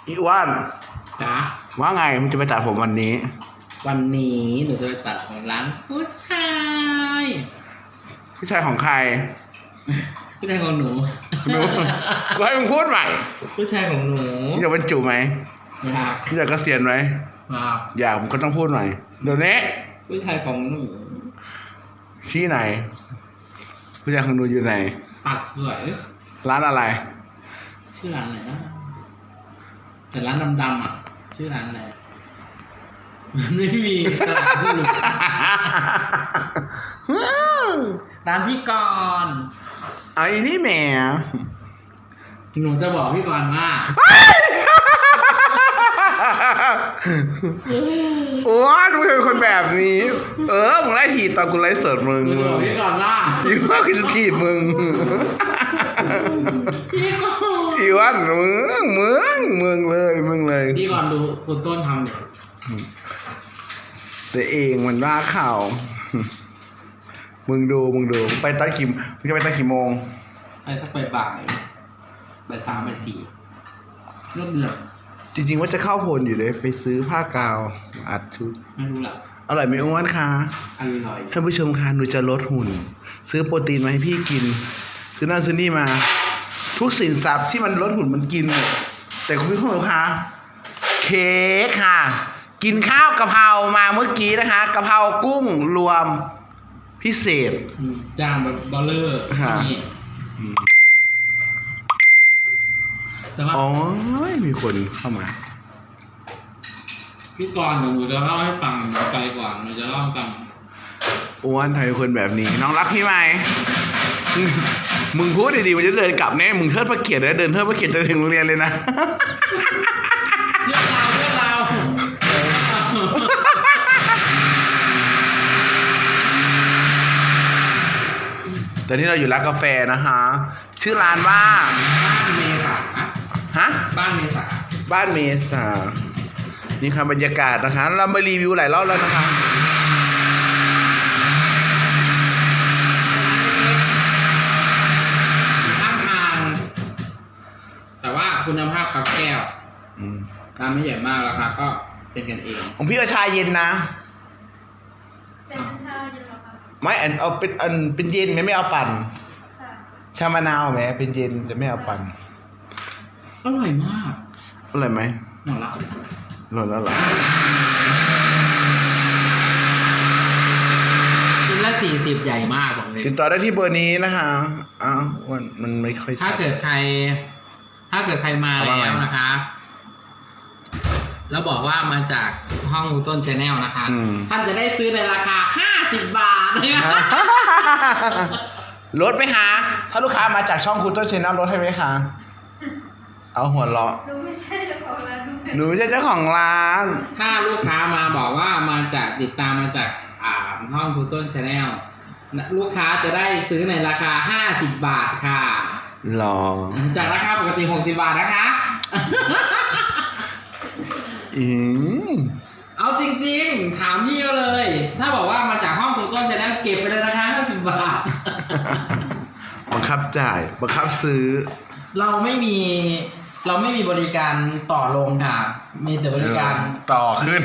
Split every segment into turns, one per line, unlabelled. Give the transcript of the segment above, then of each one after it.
อีอ้วน
จ๋า
ว่าไงมันจะไปตัดผมวันนี้
หนูจะไปตัดของร้านผู้ชาย
ผู้ชายของใคร
ผู้ชายของหนู
หนูกูให้มึงพูดใหม่
ผู้ชายของหนู
มึงอยากบรรจุไหม
อยาก
มึงอยากเกษียณไหมอยากมึงก็ต้องพูดใหม่เดี๋ยวนี้
ผู้ชายของหนู
ที่ไหนผู้ชายของหนูอยู่ไหน
ปากสวย
ร้านอะไร
ชื่อร้านอะไรนะแต่ร้านดำๆอ่ะชื่อร้านอะไรไม่มีตลาดผู้หลุดร้านพี่กรณ์
ไอ้นี่แหม
หนูจะบอกพี่กรณ์ว่า
โอ้ดูเป็นคนแบบนี้มึงไล่ถีบตอนกูไล่สดมึง
หนูจะบอกพี่กรณ์ว่า
อีว่าคือจะถีบมึง
พี่กรณ์
อีวันมึงเลย
พี่กรณ์ดูคุณต้นทำเนี่ย
แต่เองมันว่าข่าวมึงดูไปตั้งกี่มึงจะไปตั้งกี่โมง
ไปสักบ่าย3 บ่าย 4เริ่มเดือด
จริงๆว่าจะเข้าพลอยู่เลยไปซื้อผ้ากาวอัดชุด
ไม่รู้แหละ
อร่อยไหมอ้วนคะ
อร่อย
ท่านผู้ชมคะหนูจะลดหุ่นซื้อโปรตีนมาให้พี่กินซื้อนั่นซื้อนี่มาทุกสินทรัพย์ที่มันลดหุ่นมันกินหมดแต่คุณพี่ผู้ชมคะเค้กค่ะกินข้าวกะเพรามาเมื่อกี้นะคะกะเพรากุ้งรวมพิเศษ
จานแบบบอลเลอร์นี่แต่ว่า
อ๋อมีคนเข้ามา
พี่กรณ์หนูจะเล่าให้ฟังหนูไปก่อนหนูจะเล่าให้ฟัง
อ้วนทำไมคนแบบนี้น้องรักพี่ไหมมึงพูดดีๆมันจะเดินกลับแน่มึงเทิดพระเกียรติเลยเดินเทิดพระเกียรติจะถึงโรงเรียนเลยนะ
เรื่องราว
แต่นี่เราอยู่ร้านกาแฟนะคะชื่อร้านว่า
บ้านเมษา
ฮะ
บ้านเมษา
นี่ค่ะบรรยากาศนะคะเรามารีวิวหลายรอบแล้วนะคะ
ข้างทางแต่ว่าคุณภาพครับแก้วร้านไม่ใหญ่มากราคาก็เป็นกันเอง
ของพี่เอาชาเย็นนะ
เป็นชาเย็นหรอคะ
ไม่เอาเป็นเย็นไม่เอาปั่นชามะนาวไหมเป็นเย็นแต่ไม่เอาปั่น
อร่อยมาก
อร่อยไหม
หมดแล้ว
เหรอ
กินละ40ใหญ่มากบอกเลย
ติดต่อได้ที่เบอร์นี้นะคะมันไม่ค่อย
ถ้าเกิดใครมาแล้วนะคะแล้วบอกว่ามาจากห้องต้นชาแนลนะคะท่านจะได้ซื้อในราคา50 บาท
ลดไหมคะถ้าลูกค้ามาจากช่องคุณต้นชาแนลลดให้ไหมคะเอาหัวเราะ
หนูไม่ใช่เจ้าของร้าน
ถ้าลูกค้ามาบอกว่ามาจากติดตามมาจากห้องคุณต้นชาแนลลูกค้าจะได้ซื้อในราคา50 บาทค่ะ
หรอ
จากราคาปกติ60 บาทนะคะเอาจริงๆถามพี่ก็เลย ถ้าบอกว่ามาจากห้องคุณต้นชาแนลเก็บไปเลยนะคะ50 บาท
บังคับจ่ายบังคับซื้อ
เราไม่มีบริการต่อลงค่ะมีแต่บริการ
ต่อขึ้น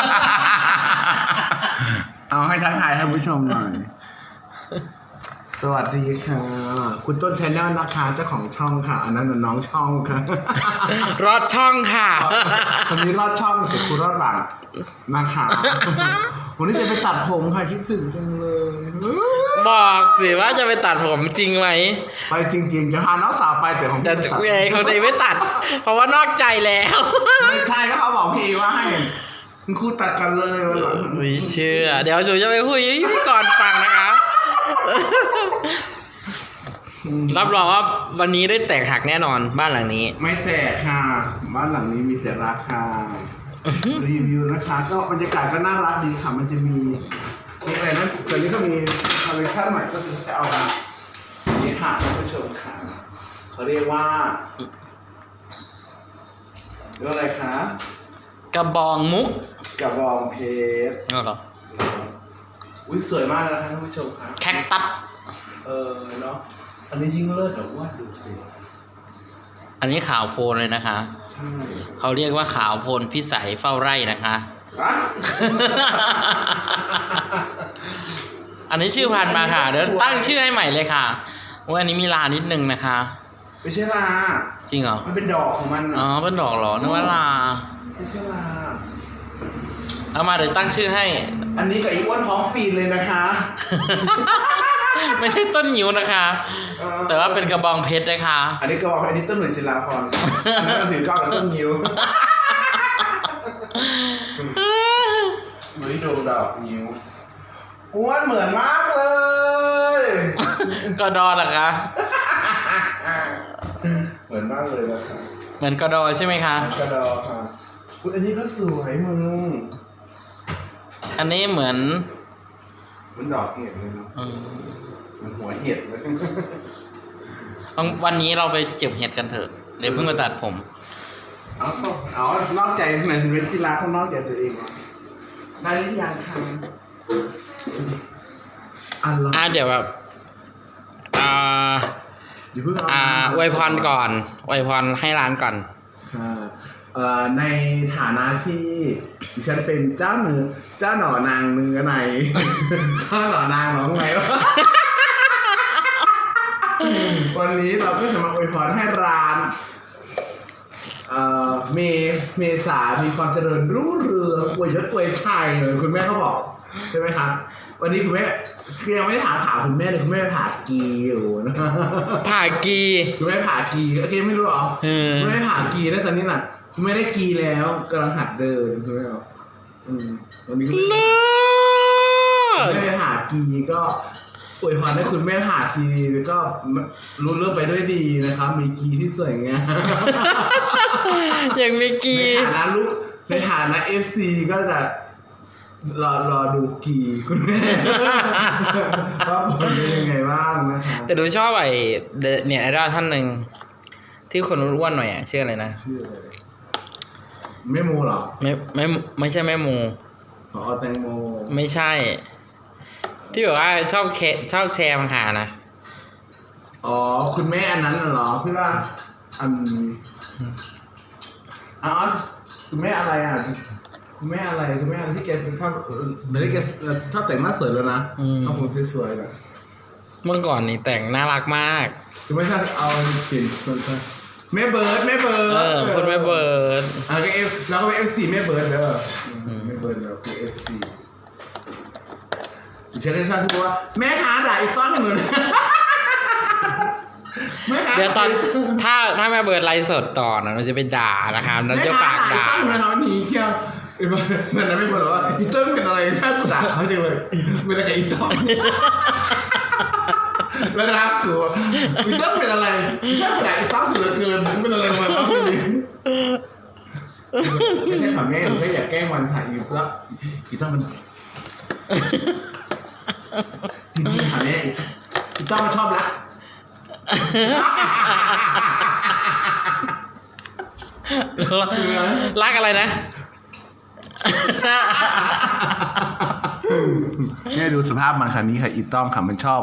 เอาให้ทักทายท่านผู้ชมหน่อยสวัสดีค่ะคุณต้นชาแนลนะคะเจ้าของช่องค่ะอันนั้นน้องช่องค่ะ
รอดช่องค่ะ
คนนี้รอดช่องแต่คุณรอดหลังนะคะวันนี้จะไปตัดผมค่ะคิดถึงจังเลย
บอกสิว่าจะไปตัดผมจริงไหม
ไปจริงๆจะพาน้องสาวไปแต่ผม
จะเขาจะไม่ตัดเพราะว่านอกใจแล้ว
ไม่ใช่ก็เขาบอกพี่ว่าให้คุณครูตัดกันเลยวันหลัง
ไม่เชื่อเดี๋ยวหนูจะไปคุยพี่ก่อนฟังนะคะรับรองว่าวันนี้ได้แตกหักแน่นอนบ้านหลังนี้
ไม่แตกค่ะบ้านหลังนี้มีแต่ราคารีวิวนะคะก็บรรยากาศก็น่ารักดีค่ะมันจะมีอะไรนั้นตอนนี้ก็มีคอลเลคชั่นใหม่ก็คือจะเอานี่ค่ะท่านผู้ชมค่ะเขาเรียกว่าอะไรคะ
กระบองมุก
กระบองเพชร
เหรอ
อุ้ยสวยมากเลยนะคะท่านผู้ชมครับ
แคคตัส
เนาะอันนี้ยิ่งเลิศแต่ว่าดูสิ
อันนี้ขาวโพลนเลยนะคะ
ใช่
เขาเรียกว่าขาวโพลนพิสัยเฝ้าไร่นะคะ
อะ
อันนี้ชื่อพันธุ์มาค่ะ เดี๋ยวตั้งชื่อให้ใหม่เลยค่ะว่าอันนี้มีลานิดนึงนะคะ
ไม่ใช่ลา
จริงเหรอ
มันเป็นดอกของมัน
อ๋อ เป็นดอกเหรอ นึกว่าลา
ไม่ใช่ลา
เอามาเดี๋ยวตั้งชื่อให้
อันนี้กับอีอ้วนท้องปีนเลยนะคะ
ไม่ใช่ต้นหิวนะคะ แต่ว่าเป็นกระบองเพชรนะคะ
อันนี้ก็บอกอันนี้ต้นหนุ่ยศิลาพรอันนั้นก็ถือกล้องแล้วต้นนิ้วไม่ดวงดอกนิ้วอ้วนเหมือนมากเลย
กอดอเหรอคะ
เหมือนมากเลยนะคะ
เหมือนกอดอใช่ไหมคะ
กระดอค่ะคุณอันนี้ก็สวยมึง
อันนี้เหมือน
มันดอกเห็ดเลยเนาะ
อืม
มันหัวเห็ดเลย
วันนี้เราไปเก็บเห็ดกันเถอะ เดี๋ยวเพิ่งมาตัดผม
เอานอกใจไหนถึงเป็นที่รักเขานอกใจตัวเองวะได้หรือยังคะอันละ
เดี๋ยวแบบ
อย่าเพิ่งเอา
อวยพรก่อนอวยพรให้ร้านก่อน
ค่ะในฐานะที่ดิฉันเป็นเจ้าหน่อนางเนื้อใน เจ้าหน่อนางหนองไหนวะ วันนี้เราก็จะมาอวยพรให้ร้านเมษามีความเจริญรุ่งเรืองอวยยศอวยชัยเหมือนคุณแม่เขาบอกใช่ไหมครับวันนี้คุณแม่คือยังไม่ได้ถามข่าวคุณแม่เลยคุณแม่ผ่ากีอยู่นะ
ผ่ากี
คุณแม่ผ่ากีโอเคไม่รู้หรอ คุณแม่ผ่ากีแล้วตอนนี้น่ะคุณแม่ได้กีแล้วกำลังหัดเดินคุณแม่บอกวันนี้คุณแม่ผ่ากีก็อวยพรให้คุณแม่ผ่ากีแล้วก็รู้เรื่องไปด้วยดีนะครับมีกีที่สวยงาม
อย่างมีกี
ในฐานะ FC ก็จะรอดูกีคุณแม่ ว่าผลเป็นยังไงบ้างนะคะ
แต่ดูชอบเนี่ยไอดอลท่านหนึ่งที่คนอ้วนๆหน่อยชื่ออะไรนะ
ชื่ออะไรแม่โมเหรอ
ไม่ใช่แม่โม
ขอแตงโม
ไม่ใช่ ที่แบบว่าชอบแชร์มังหานะ
อ๋อคุณแม่อันนั้นน่ะเหรอที่ว่าคุณแม่อะไรอ่ะคุณแม่อะไรที่แกชอบเดี๋ยวนี้แกชอบแต่งหน้าสวยแล้วนะเอาผมสวยๆนะ
เมื่อก่อนนี่แต่งน่ารักมาก
คือไม่ใช่เอากลิ่นแม่เบิร์ด
คนแม่เบิร์ด
ก็แล้วก็เป็น FC แม่เบิร์ดเด้อแม่เบิร์ดแล้วคือ FC ดิฉันก็ชอบที่ว่าแม่ค้าด่าอีกต้อนหนึ่งเลย
เดี๋ยวตอนถ้าแม่เบิร์ดไลฟ์สดต่อนะเราจะไปด่านะครับเราจะปากด่า
แม่ค้าด่าอีกต้อนหนึ่งนะครับหนีเที่ยวเหมือนนั้นไม่บอกว่าอีต้นเป็นอะไรชอบกูด่าเขาจังเลยเป็นอะไรกับอีต้นแล้วรักกูอีต้นเป็นอะไรชอบกูด่าอีต้นสุดเหลือเกินเป็นอะไรมาบ้างไม่ใช่ค่ะแม่หนูแค่อยากแกล้งวันค่ะอีต้นมันจริงๆค่ะแม่อีต้นมันชอบรัก
รักอะไรนะ
เนี่ยดูสภาพมันคันนี้ค่ะอีต้อมค่ะมันชอบ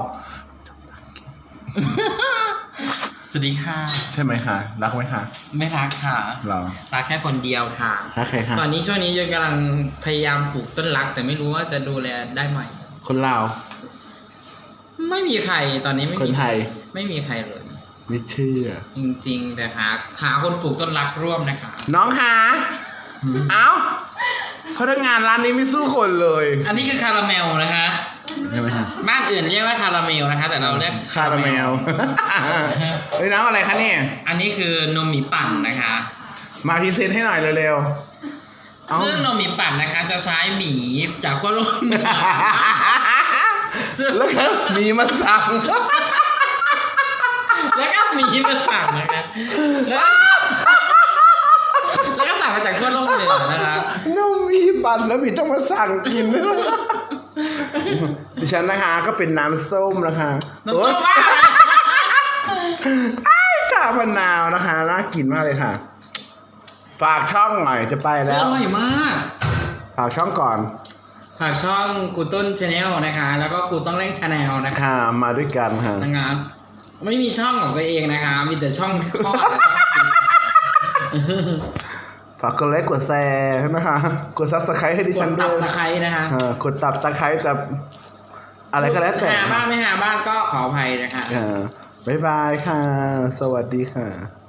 สวัสดีค่ะ
ใช่ไหมคะรักไหมคะ
ไม่รักค่ะ
เรา
รักแค่คนเดียวค่ะ
รักใครคะ
ตอนนี้ช่วงนี้ยังกำลังพยายามปลูกต้นรัก แต่ไม่รู้ว่าจะดูแลได้ไหม
คนลาว
ไม่มีใครตอนนี้ไม่
คน
มี
ไทย
ไม่มีใครเลย
ไม่เชื่อ
จริงๆ แต่หาคนปลูกต้นรักร่วมนะคะ
น้องคะเอ้าพนักงานร้านนี้ไม่สู้คนเลย
อันนี้คือคาราเมลนะคะ
ใช่ไหมคะ
บ้านอื่นเรียกว่าคาราเมลนะคะ แต่เราเรียก
คาราเมลเฮ้ยน้ำอะไรคะเนี่ย
อันนี้คือนมหมีปั่นนะคะ
มาพรีเซนต์ให้หน่อยเร็วๆเอ้า
ซึ่งนมหมีปั่นนะคะ จะใช้หมีจากขั้วโลกเหนือซึ่ง
แล้วก็มีมาสั่ง
แล้วก็หมีมาสั่งนะคะแล้วก็สั่งมาจากขั้วโลกเหนือนะคะ
นมมีปั่นแล้วมีต้องมาสั่งกินดิฉันนะคะก็เป็นน้ำส้มนะคะ
น้ำส้มว่าอะไร
ชามะนาวนะคะน่ากินมากเลยค่ะ ฝากช่องหน่อยจะไปแล้ว
อร่อยมาก
ฝากช่องก่อน
ฝากช่องครูต้นชาแนลนะคะ แล้วก็ครูต้องเล่นชาแนลนะคะ
ค่ะมาด้วยกันค่ะ
นะครับไม่มีช่องของตัวเองนะคะ มีแต่ช่องคลอดและช่อง
ฝากกดไลค์กดแชร์นะคะ กดซับสไครต์ให้ดิ
ก
ฉั
ด
น
ตั
ด้
บ
วย
ตะไคร้นะคะ
กดตับตะไคร้แต่อะไรก็แล้วแต่
หาบ้างไม่หาบ้างก็ขออภัยนะคะ
บ๊ายบายค่ะ สวัสดีค่ะ